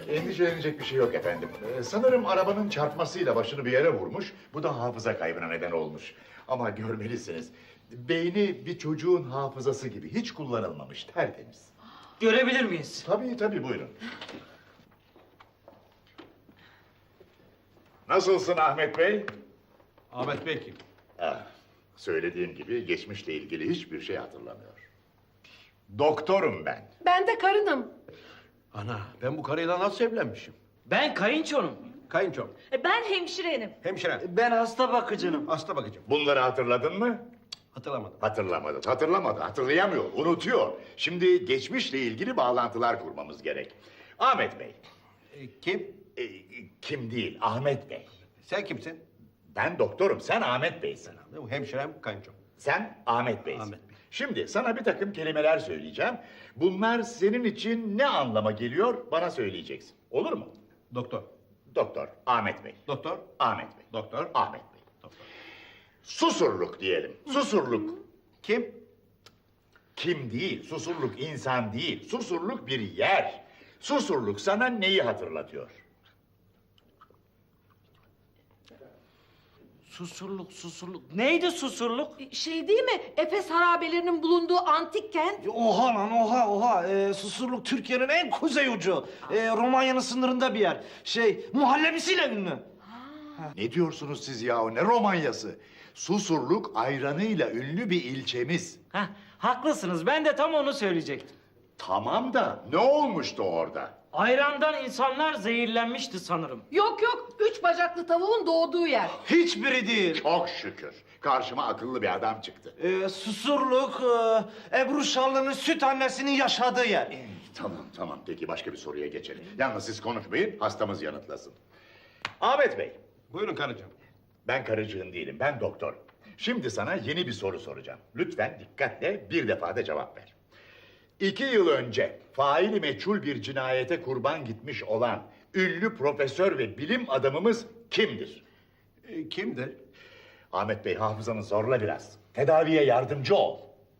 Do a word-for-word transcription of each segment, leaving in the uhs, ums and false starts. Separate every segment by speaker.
Speaker 1: Endişelenecek bir şey yok efendim. Ee, sanırım arabanın çarpmasıyla başını bir yere vurmuş. Bu da hafıza kaybına neden olmuş. Ama görmelisiniz. Beyni bir çocuğun hafızası gibi hiç kullanılmamış, tertemiz.
Speaker 2: Görebilir miyiz?
Speaker 1: Tabii tabii, buyurun. Nasılsın Ahmet Bey?
Speaker 3: Ahmet Bey kim?
Speaker 1: Ah, söylediğim gibi geçmişle ilgili hiçbir şey hatırlamıyor. Doktorum ben.
Speaker 4: Ben de karınım.
Speaker 3: Ana, ben bu karıyla nasıl evlenmişim?
Speaker 2: Ben kayınçonum.
Speaker 3: Kayınçom,
Speaker 5: E, Ben hemşirenim.
Speaker 3: hemşire,
Speaker 2: Ben hasta bakıcınım.
Speaker 3: hasta bakıcım.
Speaker 1: Bunları hatırladın mı?
Speaker 3: Hatırlamadım.
Speaker 1: Hatırlamadı, hatırlamadı, hatırlayamıyor, unutuyor. Şimdi geçmişle ilgili bağlantılar kurmamız gerek. Ahmet Bey,
Speaker 3: E, kim?
Speaker 1: e, kim değil, Ahmet Bey.
Speaker 3: Sen kimsin?
Speaker 1: Ben doktorum, sen Ahmet Bey'sin.
Speaker 3: Bu hemşirem, kayınçom.
Speaker 1: Sen Ahmet Bey'sin.
Speaker 3: Ahmet Bey.
Speaker 1: Şimdi sana bir takım kelimeler söyleyeceğim. Bunlar senin için ne anlama geliyor bana söyleyeceksin. Olur mu?
Speaker 3: Doktor,
Speaker 1: Doktor, Ahmet Bey.
Speaker 3: doktor,
Speaker 1: Ahmet Bey.
Speaker 3: doktor.
Speaker 1: Ahmet Bey.
Speaker 3: Doktor.
Speaker 1: Susurluk diyelim. Susurluk.
Speaker 3: Kim?
Speaker 1: Kim değil, Susurluk insan değil. Susurluk bir yer. Susurluk sana neyi hatırlatıyor?
Speaker 2: Susurluk, susurluk. Neydi susurluk?
Speaker 4: Şey değil mi? Efes harabelerinin bulunduğu antik kent.
Speaker 6: Oha lan oha oha. Ee, Susurluk Türkiye'nin en kuzey ucu. Ee, Romanya'nın sınırında bir yer. Şey muhallebisiyle ünlü.
Speaker 1: Ne diyorsunuz siz ya? Ne Romanyası? Susurluk ayranıyla ünlü bir ilçemiz.
Speaker 2: Heh, haklısınız. Ben de tam onu söyleyecektim.
Speaker 1: Tamam da ne olmuştu orada?
Speaker 2: Ayrandan insanlar zehirlenmişti sanırım.
Speaker 4: Yok yok, üç bacaklı tavuğun doğduğu yer.
Speaker 6: Hiçbiri değil.
Speaker 1: Çok şükür. Karşıma akıllı bir adam çıktı.
Speaker 6: Ee, Susurluk e, Ebru Şallı'nın süt annesinin yaşadığı yer.
Speaker 1: Tamam tamam, peki başka bir soruya geçelim. Yalnız siz konuşmayın, hastamız yanıtlasın. Ahmet Bey,
Speaker 3: Buyurun karıcığım.
Speaker 1: ben karıcığın değilim, ben doktorum. Şimdi sana yeni bir soru soracağım. Lütfen dikkatle bir defada cevap ver. İki yıl önce faili meçhul bir cinayete kurban gitmiş olan ünlü profesör ve bilim adamımız kimdir?
Speaker 3: E, kimdir?
Speaker 1: Ahmet Bey, hafızanı zorla biraz. Tedaviye yardımcı ol.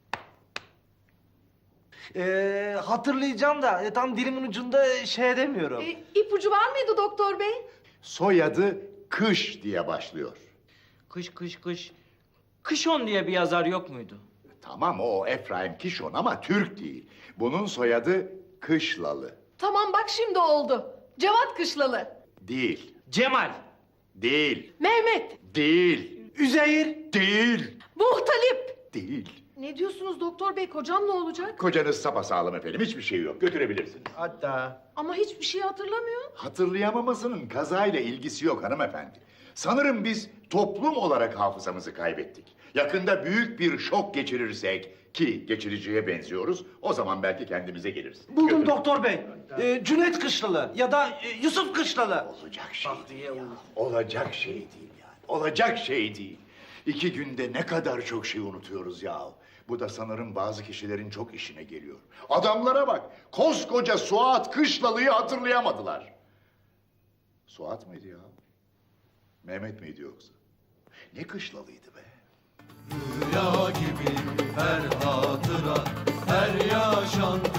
Speaker 6: Ee, hatırlayacağım da e, tam dilimin ucunda şey edemiyorum.
Speaker 4: E, ipucu var mıydı doktor bey?
Speaker 1: Soyadı Kış diye başlıyor.
Speaker 2: Kış, kış, kış. Kışon diye bir yazar yok muydu?
Speaker 1: Tamam, o Efraim Kişon ama Türk değil. Bunun soyadı Kışlalı.
Speaker 4: Tamam bak şimdi oldu. Cevat Kışlalı.
Speaker 1: Değil,
Speaker 2: Cemal.
Speaker 1: değil,
Speaker 4: Mehmet.
Speaker 1: değil,
Speaker 6: Üzeyir.
Speaker 1: değil,
Speaker 4: Muhtalip.
Speaker 1: değil.
Speaker 4: Ne diyorsunuz doktor bey? Kocam ne olacak?
Speaker 1: Kocanız sapasağlam efendim, hiçbir şey yok. Götürebilirsiniz.
Speaker 3: Hatta
Speaker 4: Ama hiçbir şey hatırlamıyor.
Speaker 1: Hatırlayamamasının kazayla ilgisi yok hanımefendi. Sanırım biz toplum olarak hafızamızı kaybettik. Yakında büyük bir şok geçirirsek, ki geçiriciye benziyoruz, o zaman belki kendimize geliriz.
Speaker 6: Buldum
Speaker 1: Götürün.
Speaker 6: doktor bey. Ee, Cüneyt Kışlalı ya da e, Yusuf Kışlalı.
Speaker 1: Olacak şey değil ya. Olacak şey değil yani. Olacak şey değil. İki günde ne kadar çok şey unutuyoruz ya. Bu da sanırım bazı kişilerin çok işine geliyor. Adamlara bak. Koskoca Suat Kışlalı'yı hatırlayamadılar. Suat mıydı ya? Mehmet miydi yoksa? Ne Kışlalıydı be?
Speaker 7: Rüya gibi her hatıra, her yaşan